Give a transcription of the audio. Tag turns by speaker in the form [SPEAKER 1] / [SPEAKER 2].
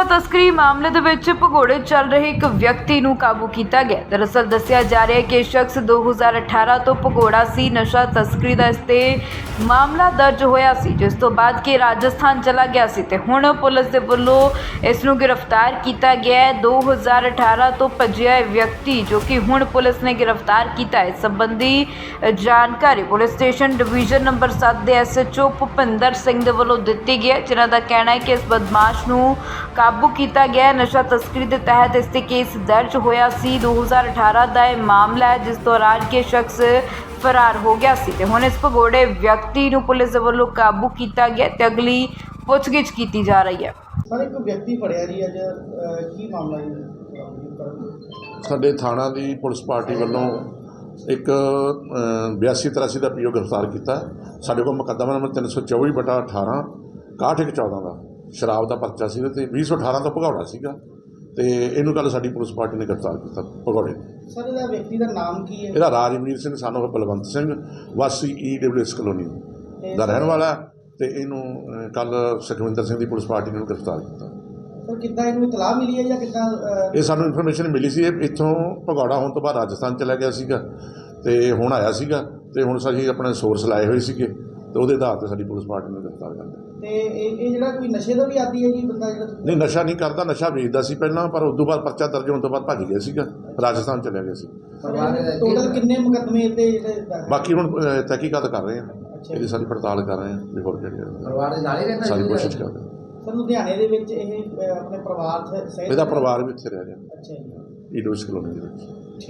[SPEAKER 1] तस्करी मामले ਦੇ ਵਿੱਚ ਭਗੌੜੇ ਚੱਲ ਰਹੇ ਇੱਕ ਵਿਅਕਤੀ ਨੂੰ ਕਾਬੂ ਕੀਤਾ ਗਿਆ। ਦਰਅਸਲ ਦੱਸਿਆ ਜਾ ਰਿਹਾ ਹੈ ਕਿ ਸ਼ਖਸ 2018 ਤੋਂ ਭਗੌੜਾ ਸੀ। ਨਸ਼ਾ ਤਸਕਰੀ ਦਾ ਇਸ ਤੇ ਮਾਮਲਾ ਦਰਜ ਹੋਇਆ ਸੀ, ਜਿਸ ਤੋਂ ਬਾਅਦ ਕਿ ਰਾਜਸਥਾਨ ਚਲਾ ਗਿਆ ਸੀ ਤੇ ਹੁਣ ਪੁਲਿਸ ਦੇ ਵੱਲੋਂ ਇਸ ਨੂੰ ਗ੍ਰਿਫਤਾਰ ਕੀਤਾ ਗਿਆ ਹੈ। 2018 ਤੋਂ ਭੱਜਿਆ ਇਹ ਵਿਅਕਤੀ ਜੋ ਕਿ ਹੁਣ ਪੁਲਿਸ ਨੇ ਗ੍ਰਿਫਤਾਰ ਕੀਤਾ ਹੈ। ਸੰਬੰਧੀ ਜਾਣਕਾਰੀ ਪੁਲਿਸ ਸਟੇਸ਼ਨ ਡਿਵੀਜ਼ਨ ਨੰਬਰ 7 ਦੇ SHO ਭੁਪਿੰਦਰ ਸਿੰਘ ਦੇ ਵੱਲੋਂ ਦਿੱਤੀ ਗਈ ਹੈ, ਜਿਨ੍ਹਾਂ ਦਾ ਕਹਿਣਾ ਹੈ कि इस बदमाश ਨੂੰ ਕਾਬੂ ਕੀਤਾ ਗਿਆ। ਨਸ਼ਾ ਤਸਕਰੀ ਦੇ ਤਹਿਤ ਇਸ ਤੇ ਕੇਸ ਦਰਜ ਹੋਇਆ ਸੀ। 2018 ਦਾ ਇਹ ਮਾਮਲਾ ਹੈ, ਜਿਸ ਦੌਰਾਨ ਕਿ ਸ਼ਖਸ ਫਰਾਰ ਹੋ ਗਿਆ ਸੀ ਤੇ ਹੁਣ ਇਸ ਭਗੌੜੇ ਵਿਅਕਤੀ ਨੂੰ ਪੁਲਿਸ ਦੇ ਵੱਲੋਂ ਕਾਬੂ ਕੀਤਾ ਗਿਆ ਤੇ ਅਗਲੀ ਪੁੱਛਗਿੱਛ ਕੀਤੀ ਜਾ ਰਹੀ ਹੈ।
[SPEAKER 2] ਸਰ ਇੱਕ ਵਿਅਕਤੀ ਫੜਿਆ ਜੀ ਅੱਜ, ਕੀ ਮਾਮਲਾ ਹੈ?
[SPEAKER 3] ਸਾਡੇ ਥਾਣਾ ਦੀ ਪੁਲਿਸ ਪਾਰਟੀ ਵੱਲੋਂ ਇੱਕ 8283 ਦਾ PO ਗ੍ਰਿਫਤਾਰ ਕੀਤਾ। ਸਾਡੇ ਕੋਲ ਮੁਕੱਦਮਾ ਨੰਬਰ 324/18 6114 ਦਾ ਸ਼ਰਾਬ ਦਾ ਪਰਚਾ ਸੀ ਤੇ 2018 ਤੋਂ ਭਗੌੜਾ ਸੀਗਾ ਤੇ ਇਹਨੂੰ ਕੱਲ੍ਹ ਸਾਡੀ ਪੁਲਿਸ ਪਾਰਟੀ ਨੇ ਗ੍ਰਿਫਤਾਰ ਕੀਤਾ ਭਗੌੜੇ ਨੂੰ।
[SPEAKER 2] ਸਰ ਇਹਦਾ ਵਿਅਕਤੀ ਦਾ ਨਾਮ ਕੀ ਹੈ?
[SPEAKER 3] ਇਹਦਾ ਰਾਜਵੀਰ ਸਿੰਘ ਸਾਨੂੰ ਬਲਵੰਤ ਸਿੰਘ ਵਾਸੀ EWS ਕਲੋਨੀ ਦਾ ਰਹਿਣ ਵਾਲਾ ਤੇ ਇਹਨੂੰ ਕੱਲ੍ਹ ਸੁਖਵਿੰਦਰ ਸਿੰਘ ਦੀ ਪੁਲਿਸ ਪਾਰਟੀ ਨੇ ਗ੍ਰਿਫਤਾਰ ਕੀਤਾ।
[SPEAKER 2] ਸਰ ਕਿੱਦਾਂ ਇਹਨੂੰ ਇਤਲਾਹ ਮਿਲੀ ਹੈ ਜਾਂ ਕਿੱਦਾਂ?
[SPEAKER 3] ਇਹ ਸਾਨੂੰ ਇਨਫੋਰਮੇਸ਼ਨ ਮਿਲੀ ਸੀ। ਇਹ ਇੱਥੋਂ ਭਗੌੜਾ ਹੋਣ ਤੋਂ ਬਾਅਦ ਰਾਜਸਥਾਨ ਚਲਾ ਗਿਆ ਸੀਗਾ ਤੇ ਹੁਣ ਆਇਆ ਸੀਗਾ ਤੇ ਹੁਣ ਅਸੀਂ ਆਪਣੇ ਸੋਰਸ ਲਾਏ ਹੋਏ ਸੀਗੇ ਤੇ ਉਹਦੇ ਆਧਾਰ 'ਤੇ ਸਾਡੀ ਪੁਲਿਸ ਪਾਰਟੀ ਨੇ ਗ੍ਰਿਫਤਾਰ ਕਰ ਲਿਆ।
[SPEAKER 2] ਤੇ ਇਹ ਜਿਹੜਾ ਕੋਈ ਨਸ਼ੇ ਦਾ ਵੀ ਆਦੀ ਹੈ ਜੀ ਬੰਦਾ ਜਿਹੜਾ?
[SPEAKER 3] ਨਹੀਂ, ਨਸ਼ਾ ਨਹੀਂ ਕਰਦਾ, ਨਸ਼ਾ ਵੇਚਦਾ ਸੀ ਪਹਿਲਾਂ, ਪਰ ਉਸ ਤੋਂ ਬਾਅਦ ਪਰਚਾ ਦਰਜ ਹੋਣ ਤੋਂ ਬਾਅਦ ਭੱਜ ਗਿਆ ਸੀਗਾ, ਰਾਜਸਥਾਨ ਚਲਿਆ ਗਿਆ ਸੀ।
[SPEAKER 2] ਟੋਟਲ ਕਿੰਨੇ ਮੁਕੱਦਮੇ ਤੇ ਜਿਹੜੇ?
[SPEAKER 3] ਬਾਕੀ ਹੁਣ ਤਹਿਕੀਕਾਤ ਕਰ ਰਹੇ ਹਾਂ, ਇਹਦੀ ਸਾਰੀ ਪੜਤਾਲ ਕਰ ਰਹੇ ਹਾਂ ਬਿਫੋਰ
[SPEAKER 2] ਪਰਿਵਾਰ ਦੇ ਨਾਲ ਹੀ ਰਹਿੰਦਾ?
[SPEAKER 3] ਸਾਰੀ ਕੋਸ਼ਿਸ਼ ਕਰ ਰਹੇ ਹਾਂ।
[SPEAKER 2] ਸਰ ਲੁਧਿਆਣੇ ਦੇ ਵਿੱਚ ਇਹ ਆਪਣੇ ਪਰਿਵਾਰ ਸਹਿਤ?
[SPEAKER 3] ਇਹਦਾ ਪਰਿਵਾਰ ਵੀ ਇੱਥੇ ਰਹਿ ਰਿਹਾ।
[SPEAKER 2] ਅੱਛਾ ਜੀ।
[SPEAKER 3] EWS ਕਲੋਨੀ ਦੇ ਵਿੱਚ।